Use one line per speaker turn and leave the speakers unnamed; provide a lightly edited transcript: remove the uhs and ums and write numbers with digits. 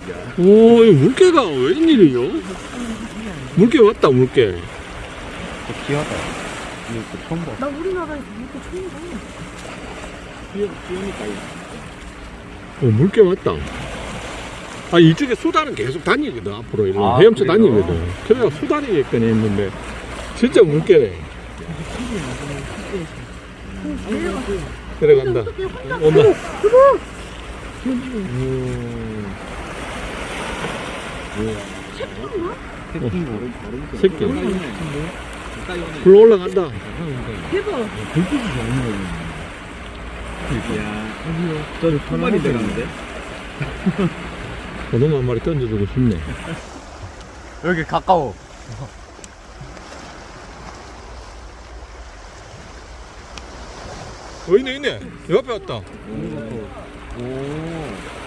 오, 이 물개가 웬일이요? 물개 왔다, 물개.
귀하다. 이거 처음 봐.
나 우리나라에서 물개 처음 봐.
귀여우니까.
물개 왔다. 아, 이쪽에 수달은 계속 다니거든, 앞으로. 이런
아,
헤엄쳐
그래요?
다니거든. 그래가 수달이겠거니 했는데, 진짜 물개네. 들어간다. 온다.
새끼인 거.
새끼. 불러 올라간다.
대박.
불빛이 좋은 거야. 야, 저는 한 마리 들어갔는데?
고등어 한 마리 던져주고 싶네.
여기 가까워.
있네. 옆에 왔다.
오.